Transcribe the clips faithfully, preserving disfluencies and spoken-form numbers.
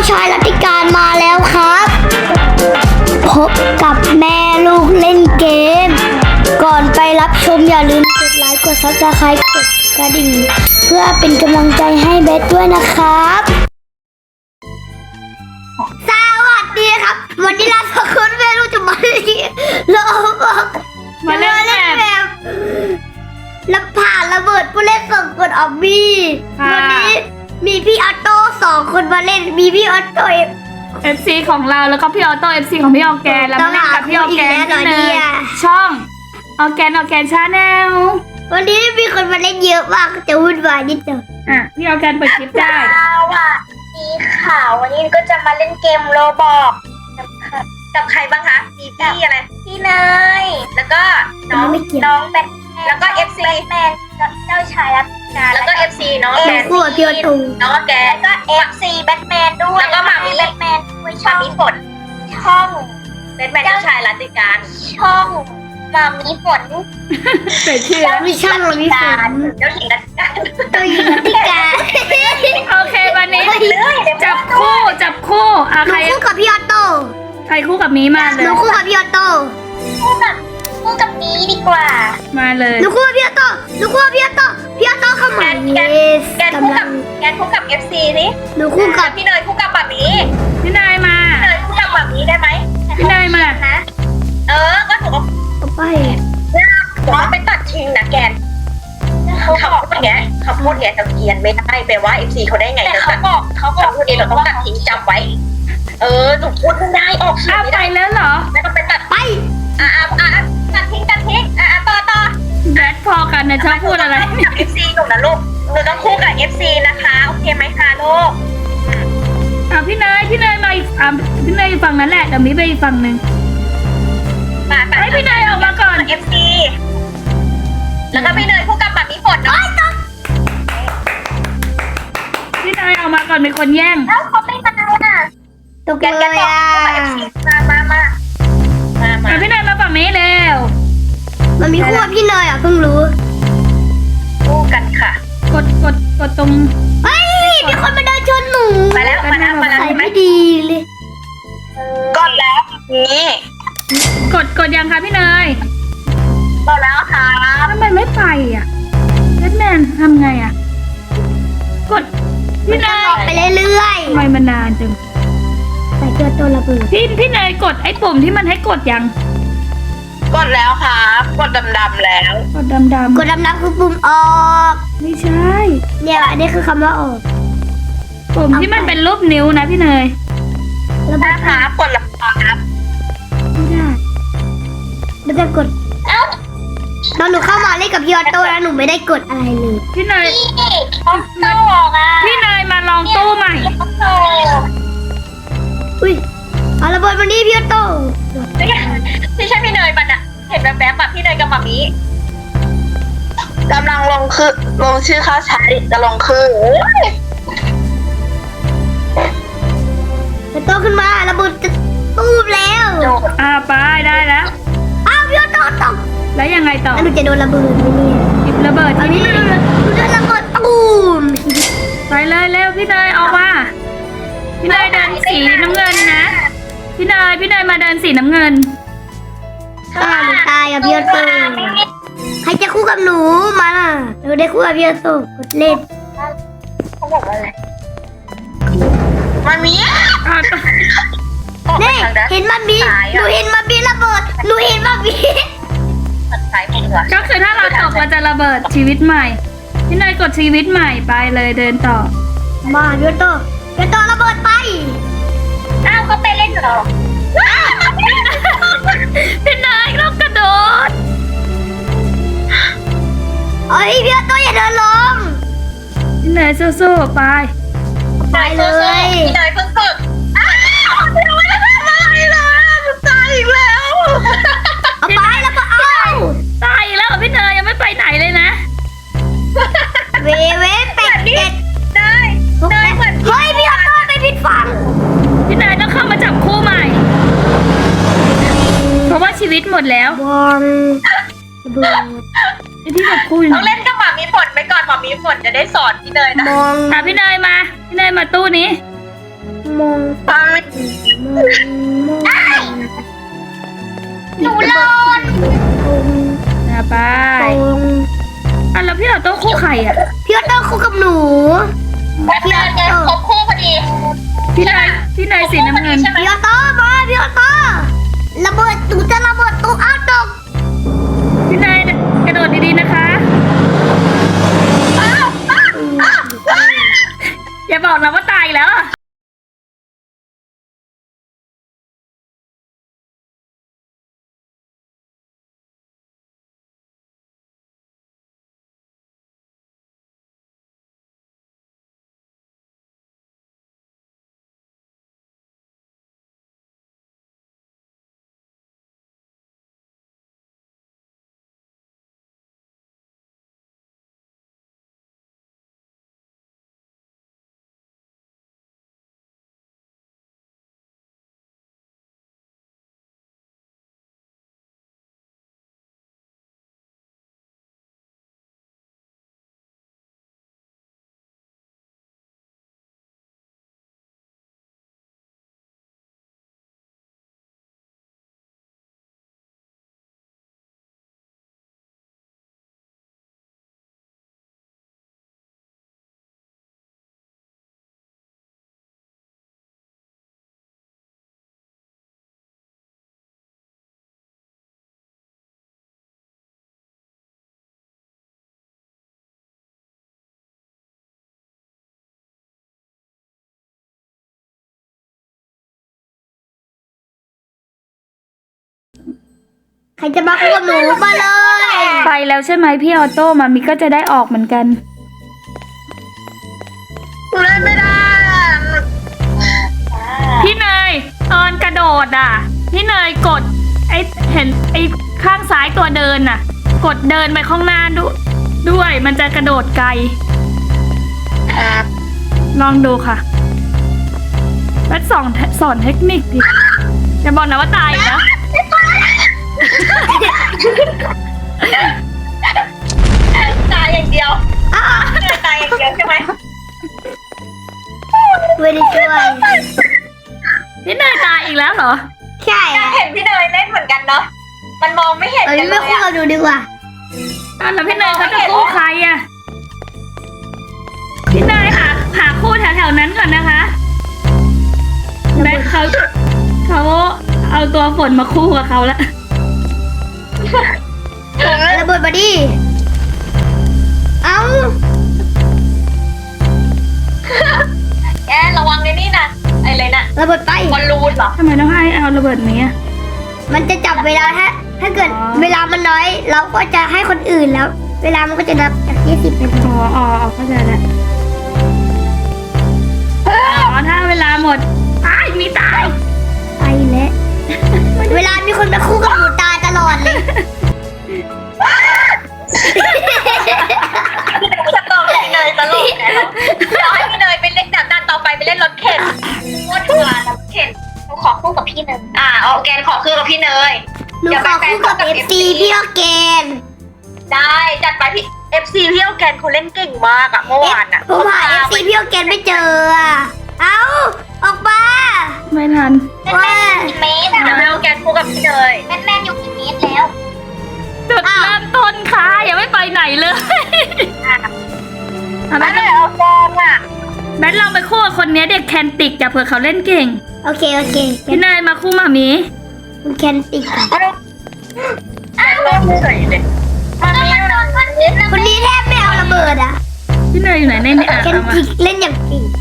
ชายรัติการมาแล้วครับพบกับแม่ลูกเล่นเกมก่อนไปรับชมอย่าลืมกดไลค์กดซับสไครต์กดกระดิ่งเพื่อเป็นกำลังใจให้เบสด้วยนะครับสวัสดีครับวันนี้เราสองคนแม่ลูกจะมาเล่นเราบอกมาเล่นแบบแล้วผ่านระเบิดผู้เล่นสองคนออกมีวันนี้มีพี่ออโต้สองคนมาเล่นมีพี่ออโต้เอฟ ซี ของเราแล้วก็พี่ออโต้ เอฟ ซี ของพี่ออร์แกนแล้วมาเล่นกับพี่ออร์แกนที่เลยช่องออร์แกนออร์แกนชาแนลวันนี้มีคนมาเล่นเยอะมากจะวุ่นวายนิดเดียวอ่ะพี่ออร์แกนเปิดคลิปได้สวัสดีค่ะวันนี้ก็จะมาเล่นเกมโรบอกกับใครบ้างคะมีพี่อะไรพี่เนยแล้วก็น้องน้องแบทแล้วก็ เอฟ ซี แมนเจ้าชายรัตการแล้วก็ เอฟ ซี น้องแบทคู่กับพี่ออโต้น้องแกแล้วก็ เอฟ ซี แบทแมนด้วยแล้วก็มามีแบทแมนด้วยช่องมีฝนช่องแบทแมนเจ้าชายรัตการช่องมามีฝนเป็นชื่อมีช่างเรามีฝนเจ้าหญิงรัตการตัวหญิงรัติการโอเควันนี้จับคู่จับคู่อ่ะหนูใครคู่กับพี่ออโต้ใครคู่กับมีมาเลหยนูคู่กับพี่ออโต้คู่กับคู่กับนี้ดีกว่ามาเลยหนูคู่กับพี่ออโต้หนูคู่กับพี่ออโต้พี่ออโต้เข้ามาแกน yes แกนคู่กำลักับงแกนคู่กับ เอฟ ซี นี่หนูคู่กับพี่เนยคู่กับแบบนี้พี่นายมาพี่เนยคู่กับแบบนี้ได้ไหมพี่นายมานะเออก็ถูกต่อไปว่าไปตัดทิ้งนะแกนเขาพูดอย่างเงี้ยเขาพูดอย่างเงี้ยจะเกียนไม่ได้แปลว่า เอฟ ซี เขาได้ไงแต่เขาบอกเขาบอกพูดเองเราต้องตัดทิ้งจำไว้เออหนูพูดไม่ได้ออกเสียอ้าง วไม่ไปได้แล้วเหรอไม่ต้องไปตัดไปอ่ะอ่ะอ่ะตัดทิ้งตัดทิ้งอ่ะต่อต่อแบทพอกันนะชอบพูดอะไรกับ เอฟ ซี หนูนะลูกหนูต้องคู่กับ เอฟ ซี นะคะโอเคไหมคะลูกอ่ะพี่นายพี่นายมาอีกอ่ะพี่นายอยู่ฝั่งนั้นแหละเดี๋ยวมีไปอีกฝั่งหนึ่งมาไปให้พี่นายออกมาก่อนเอฟ ซี แล้วก็พี่เนยคู่กับแบบมีฝนเนาะพี่นายออกมาก่อนเป็นคนแย่งแล้วเขาไม่มาอ่ะตกแกนเลแกนยบอกอ่ะคู่กับ เอฟ ซี มามามามามาอ่ะพี่นายมาฝั่งนี้เร็วมันมีคู่กับพี่เนยอ่ะเพิ่งรู้คู่กันค่ะกดกดกดตรงเฮ้ยมีคนมาเดินชนหนูมาแล้วมาแล้วมาแล้วใส่ใช่ไหมไม่ดีเลยก่อนแล้วนี่กดกดยังคะพี่เนยก่อนแล้วค่ะทำไมไม่ไปอ่ะแบทแมนทำไงอ่ะกดพี่เนยไปเรื่อยทำไมมันนานจังๆใส่ตัวตัวระเบิดพี่พี่เนยกดไอ้ปุ่มที่มันให้กดยังกดแล้วครับกดดำๆแล้วกดดำดำกดดำน้ำคือปุ่มออกไม่ใช่เนี่ยอันนี้คือคำว่าออกปุ่มที่มันเป็นรูปนิ้วนะพี่เนยระเบิดนะครับกดแล้วครับไม่ได้แล้วจะกดเอ้าตอนหนูเข้ามาเล่นกับพี่ออโต้แล้วหนูไม่ได้กดอะไรเลยพี่เนยพี่ต้องโตอ่ะพี่เนยมาลองตู้ใหม่ต้องโตอุ้ยเอาระเบิดมานี่พี่ออโต้ไม่ใช่ไม่ใช่พี่เนยมันอะเห็นแบบแบบแบบพี่เนยกับหมามีกำลังลงคือลงชื่อเขาใช้จะลงคือจะโตขึ้นมาระเบิดจะตูมแล้วอ่าไปได้แล้วอ้าวพี่ออโต้ตกแล้วยังไงต่อแล้วหนูจะโดนระเบิดไหมเนี่ยหยิบระเบิดเอาที่นี่นี่หนูโดนระเบิดตูมไปเลยเร็วพี่เนยออกมาพี่เนยเดินสีน้ำเงินนะพี่เนยพี่เนยมาเดินสีน้ำเงินฆ่าหนูตายกับพี่ออโต้ใครจะคู่กับหนูมาล่ะหนูได้คู่กับพี่ออโต้กดเล่นเขาบอกว่าอะไรมามีอ่าต่อออกไปนี่ทางด้านเห็นมันมีหนูเห็นมันมีระเบิดหนูเห็นมันมีซ้ายมือก็คือถ้าเราตกเราจะระเบิดชีวิตใหม่พี่เนยกดชีวิตใหม่ไปเลยเดินต่อมาพี่ออโต้พี่ออโต้ระเบิดไปอ้าวก็ไปเล่นเหรอพี่เนยต้องกระโดดเอ้ยพี่ออโต้อย่าเดินลงพี่เนยสู้ๆไปไปเลยพี่เนยเพิ่งฝึกอ้าวยังไม่ได้ทำอะไรเลยจะตายอีกแล้วเอาไปแล้วก็เอาตายอีกแล้วเหรอพี่เนยยังไม่ไปไหนเลยนะเวเวเป็ดเป็ดได้ทุกได้แม่เหมือนเฮ้ยพี่ออโต้ไปผิดฝั่งพี่เนยต้องเข้ามาจับคู่ใหม่ เพราะว่าชีวิตหมดแล้วบอลระเบิดไอ้ที่จับคู่อยู่ต้องเล่นกับหมามีฝนไปก่อนหมามีฝนจะได้สอนพี่เนยนะมองอ่ะพี่เนยมาพี่เนยมาตู้นี้มมองฟังไม่หนูรอนนะไปอ่ะแล้วพี่ออโต้คู่ใครอ่ะพี่ออโต้คู่กับหนูพี่ออโต้ครบคู่พอดีพี่เนยพี่เนยสีน้ำเงินใช่ไหมพี่ออโต้มาพี่ออโต้ระเบิดหนูจะระเบิดตู้อ้าวตกพี่เนยกระโดดดีๆนะคะ อย่าบอกนะว่าตายแล้วอะใครจะมาคู่กับหนูมาเลยไปแล้วใช่ไหมพี่ออโต้มามิก็จะได้ออกเหมือนกันกูเล่นไม่ได้อะพี่เนยตอนกระโดดอ่ะ พี่เนยกดไอเห็นไอข้างซ้ายตัวเดินน่ะ กดเดินไปข้างหน้าดูด้วยมันจะกระโดดไกลครับลองดูค่ะแล้วสอนสอนเทคนิคดิอย่าบอกนะว่าตายอีกนะตายอย่างเดียวเหนื่อยตายอย่างเดียวใช่ไหมไม่ได้ช่วยพี่เนยตายอีกแล้วเหรอใช่อยากเห็นพี่เนยเล่นเหมือนกันเนาะมันมองไม่เห็นเอ้ยกันเลไม่ยคู่อะกับหนูดีกว่าอ่ะแล้วพี่เนยเขาจะคู่ใครอ่ะ พี่เนยหาหาคู่แถวๆนั้นก่อนนะคะแบ็คเขาเขาเอาตัวฝนมาคู่กับเขาแล้วระเบิดมาดิเอ้าแกระวังในนี่นะไอ้เลยนะระเบิดไปบอลลูนเหรอทำไมต้องให้เอาระเบิดนี้อ่ะมันจะจับเวลาถ้าถ้าเกิดอ๋อเวลามันน้อย เราก็จะให้คนอื่นแล้ว เวลามันก็จะนับจากยี่สิบเป็นอ๋ออ๋ออ๋อเข้าใจแล้วอ๋อถ้าเวลาหมดตายมีตายไปแล้ว เวลามีคนมาคู่กับหนูตายตลอดเลยจะตอบพี่เนยตลกนะเดี๋ยวให้พี่เนยไปเล่นด่านต่อไปไปเล่นรถเข็นโคตรเถื่อนรถเข็นหนูขอคู่กับพี่เนยอ่าโอเคขอคู่กับพี่เนยหนูขอคู่กับเอฟซีพี่ออร์แกนได้จัดไปพี่ เอฟ ซี พี่โอแกนเขาเล่นเก่งมากอะเมื่อวานอะผมหาเอฟซีพี่ออร์แกนไม่เจออะเอ้า ออกมาไม่ทันว่ากี่เมตรอะพี่โอแกนคู่กับพี่เนยแม่แม่อยู่กี่เมตรแล้วจุดเริ่มต้นค่ะยังไม่ไปไหนเลยเอาแม่แบทเลยเอาฟองอะแบทลองไปคู่กับคนนี้เด็กแคนติกจะเผื่อเขาเล่นเก่งโอเค โอเคพี่เนยมาคู่หมามีคุณแคนติกอะอ้าวเฉยเลยมันมีนอนมันนิดนะคนนี้แทบไม่เอาระเบิดอะพี่เนยอยู่ไหนในนี่อ่ะแคนเอามาติกเล่นอย่างจริง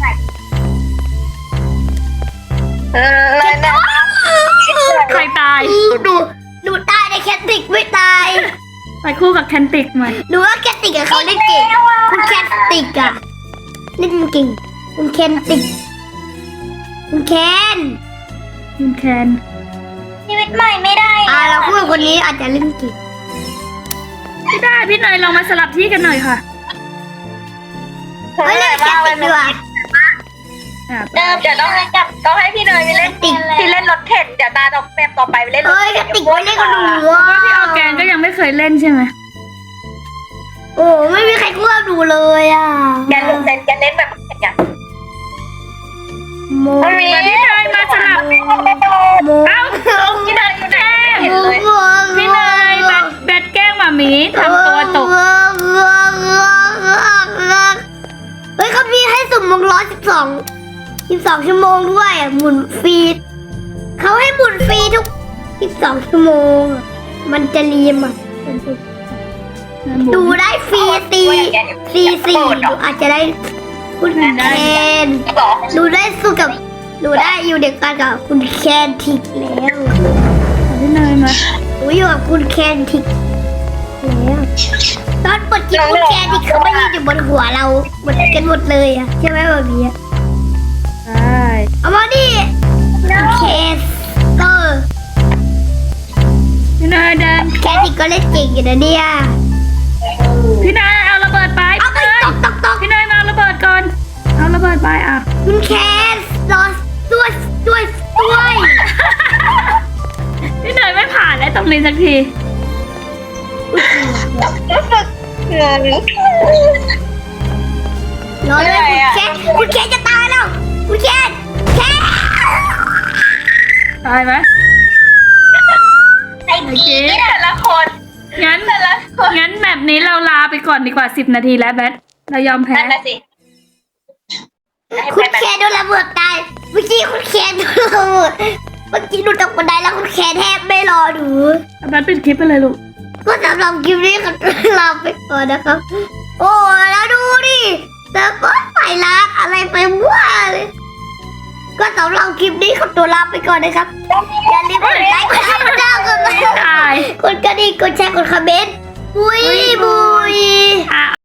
เออเลยนะใครตายดูดูตายในแคนติกไม่ตายไปคู่กับแคนติกหน่อยดูว่าแคนติกอะเขาเล่นเก่ง คุณแคนติกอะเล่นเก่ง คุณแคนติก คุณแคนคุณแคนชีวิตใหม่ไม่ได้อ่าเราคู่กับคนนี้อาจจะเล่นเก่งไม่ได้พี่เนยลองมาสลับที่กันหน่อยค่ะเฮ้ยเล่นแคนติกดีกว่าอ่ะเดิมเดี๋ยวต้องให้จับต้องให้พี่เนยไปเล่นติที่เล่นรถเข็นเดี๋ยวตาต่อแบบต่อไปไปเล่นรถเฮ้ยแคนติกไม่เล่นกับหนูเพราะอะว่าพี่ออร์แกนก็ยังไม่เคยเล่นใช่ไหมโอ้ไม่มีใครคู่กับหนูเลยอะแกเล่นแกเล่นแบบเข็นอย่างมโมมันมีพี่เนยมาสลับโมเอ้าพี่เนยอยู่ไหนไม่เห็นโมเลยโมพี่เนยแบทแบทแกล้งหมาหมีทำตัวตกเฮ้ยเขามีให้สุ่มวงล้อสิบสองสิบสองชั่วโมงด้วยอ่ะหมุนฟรีเขาให้หมุนฟรีทุกสิบสองชั่วโมงอะมันจะรีมอ่ะมันจะดูได้ฟรีตีซีสี่ดูอาจจะได้คุณแคนดูได้สู้กับดูได้อยู่เด็กกันกับคุณแคนทิกแล้วพี่เนยมาดูอยู่กับคุณแคนทิกแล้วตอนเปิดคลิปคุณแคนทิกเขาไม่ยืนอยู่บนหัวเราหมดกันหมดเลยอ่ะใช่ไหมแบบนี้ใช่เอามาดิคุณแคนเตอร์พี่เนยเดินแคนทิกก็เล่นเก่งอยู่นะเนี่ยพี่เนยเอาระเบิดไปเอาไปพี่เนยตกตกตกพี่เนยมาเอาระเบิดก่อนเอาระเบิดไปอ่ะคุณแคนรอด้วยด้วยด้วยพี่เนยไม่ผ่านเลยตรงนี้สักทีรู้สึกเหนื่อยรอด้วยคุณแคนคุณแคนจะตายแล้วคุณแคนแคนตายไหมไอ้กีแต่ละคนงั้นแต่ละคนงั้นแบบนี้เราลาไปก่อนดีกว่าสิบนาทีแล้วแบทเรายอมแพ้นั่นน่ะสิให้คุณไปแคนโดนระเบิดตายเมื่อกี้คุณแคนโดนระเบิดเมื่อกี้ดูตกบันไดแล้วคุณแคนแทบไม่รอดูเอาแบทปิดคลิปไปเลยลูกก็สำหรับคลิปนี้ก็ลาไปก่อนนะครับ โอ้แล้วดูดิแต่ก็ใส่ร้านอะไรไปว่าเลยก็สำหรับคลิปนี้ขอตัวลาไปก่อนนะครับอย่าลืมกดไลค์กดแชร์กดติดตามกดไลค์ตายกดกระดิ่งกดแชร์กดคอมเมนต์บุยบุยอ่ะ